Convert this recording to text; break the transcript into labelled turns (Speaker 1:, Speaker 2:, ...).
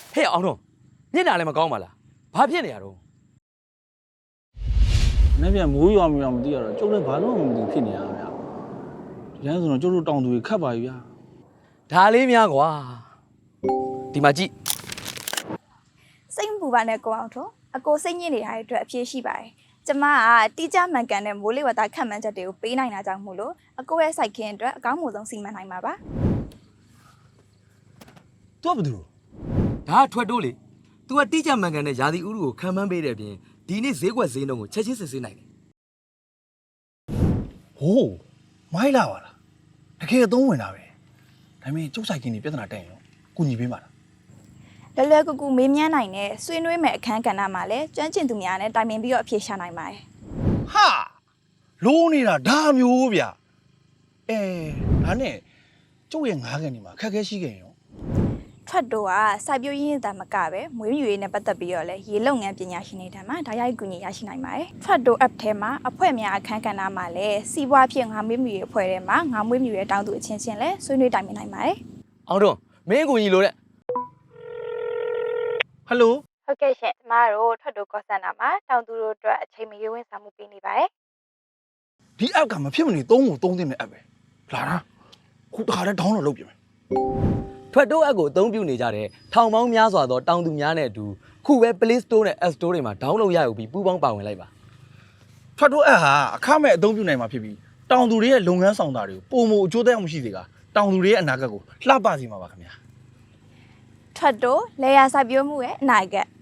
Speaker 1: ဟဲ့အောင်တော့မျက်နှာလည်းမကောင်းပါလားဘာဖြစ်နေရတော့
Speaker 2: နေ့ပြန်မိုးရွာမရွာမသိရတော့ကျုပ်လည်းဘာလို့မှမသိဖြစ်နေရတာဗျာဒီလမ်းဆိုတော့ကျုပ်တို့တောင်သူတွေခတ်ပါပြီဗျာ
Speaker 1: ဒါလေးများကွာဒီမှာကြည့်
Speaker 3: စိတ်မပူပါနဲ့ကိုအောင်ထွန်းအကိုစိတ်ညစ်နေတဲ့အတွက်အပြည့်ရှိပါတယ်ကျမကတိကျမှန်ကန်တဲ့မိုးလေဝသခန့်မှန်းချက်တွေကိုပေးနိုင်တာကြောင့်မို့လို့အကိုရဲ့စိုက်ခင်းအတွက်အကောင်းဆုံးစီမံနိုင်မှာပါ
Speaker 1: သူကဘာလို့ဒါထွက်တိုးလေ तू ကတိကျမှန်ကန်တဲ့ယာဒီဥရုကိုခံမှန်းပေးတဲ့အပြင်ဒီနေ့ဈေးကွက်ဈေးနှုန်းကိုချက်ချင်းစစ်ဆေးနိုင်တယ်
Speaker 4: ဟိုးမိုင်းလာပါလားတကယ်အသုံးဝင်တာပဲဒါပေမဲ့ကျုပ်ဆိုင်ကင်းနေပြဿနာတက်ရင်ရောကုညီပေးပါလား
Speaker 3: လွယ်လွယ်ကူကူမေးမြန်းနိုင်တဲ့ဆွေးနွေးမဲ့အခန်းကဏ္ဍမှာလည်းကျွမ်းကျင်သူများနဲ့တိုင်ပင်ပြီးတော့အဖြေရှာနိုင်ပါတယ်
Speaker 4: ဟာလိုးနေတာဒါမျိုးဗျဒါနဲ့ကျုပ်ရဲ့ငါးကန်ဒီမှာခက်ခဲရှိခဲ့ရင်ရော
Speaker 3: ထွက်တော့ကစိုက်ပျိုးရင်းသားမကပဲမွေးမြူရေးနဲ့ပတ်သက်ပြီးတော့လည်းရေလုံငန်းပညာရှင်တွေထံမှာဓာတ်ရိုက်ကူညီရရှိနိုင်ပါတယ်ထွက်တော့ app ထဲမှာအဖွဲ့များအခန်းကဏ္ဍမှာလည်းစီးပွားဖြစ်ငါမွေးမြူရေးအဖွဲ့ထဲမှာငါမွေးမြူရေးတောင်းသူအချင်းချင်းလည်းဆွေးနွေးတိုင်ပင်နိုင်ပါတယ်
Speaker 1: အောင်တော့မင်းကိုကြီးလို့တဲ့
Speaker 4: ဟယ်လို
Speaker 3: ဟုတ်ကဲ့ရှင်ကျမတို့ထွက်တော့ call center မှာတောင်းသူတို့အတွက်အချိန်မရွေးဝန်ဆောင်မှုပေးနေပါတယ်
Speaker 4: ဒီ app ကမဖြစ်မနေသုံးသင့်တဲ့ app ပဲလာတာခုတခါတည်း download လုပ်ပြင်မယ်
Speaker 1: ထွက်တိုးအပ်ကိုအသုံးပြုနေကြတဲ့ထောင်ပေါင်းများစွာသောတောင်သူများနဲ့အတူခုပဲ Play Store နဲ့ App Store တွေမှာ download ရယူပြီးပူးပေါင်းပါဝင်လိုက်ပါ
Speaker 4: ထွက်တော့ app ဟာအခမဲ့အသုံးပြုနိုင်မှာဖြစ်ပြီးတောင်သူတွေရဲ့လုပ်ငန်းဆောင်တာတွေကိုပုံမအကျိုးသက်ရောက်မှုရှိစေကတောင်သူတွေရဲ့အနာဂတ်ကိုလှပစေမှာပါခင်ဗျာ
Speaker 3: ထွက်တော့လေယာစိုက်ပျိုးမှုရဲ့အနာဂတ်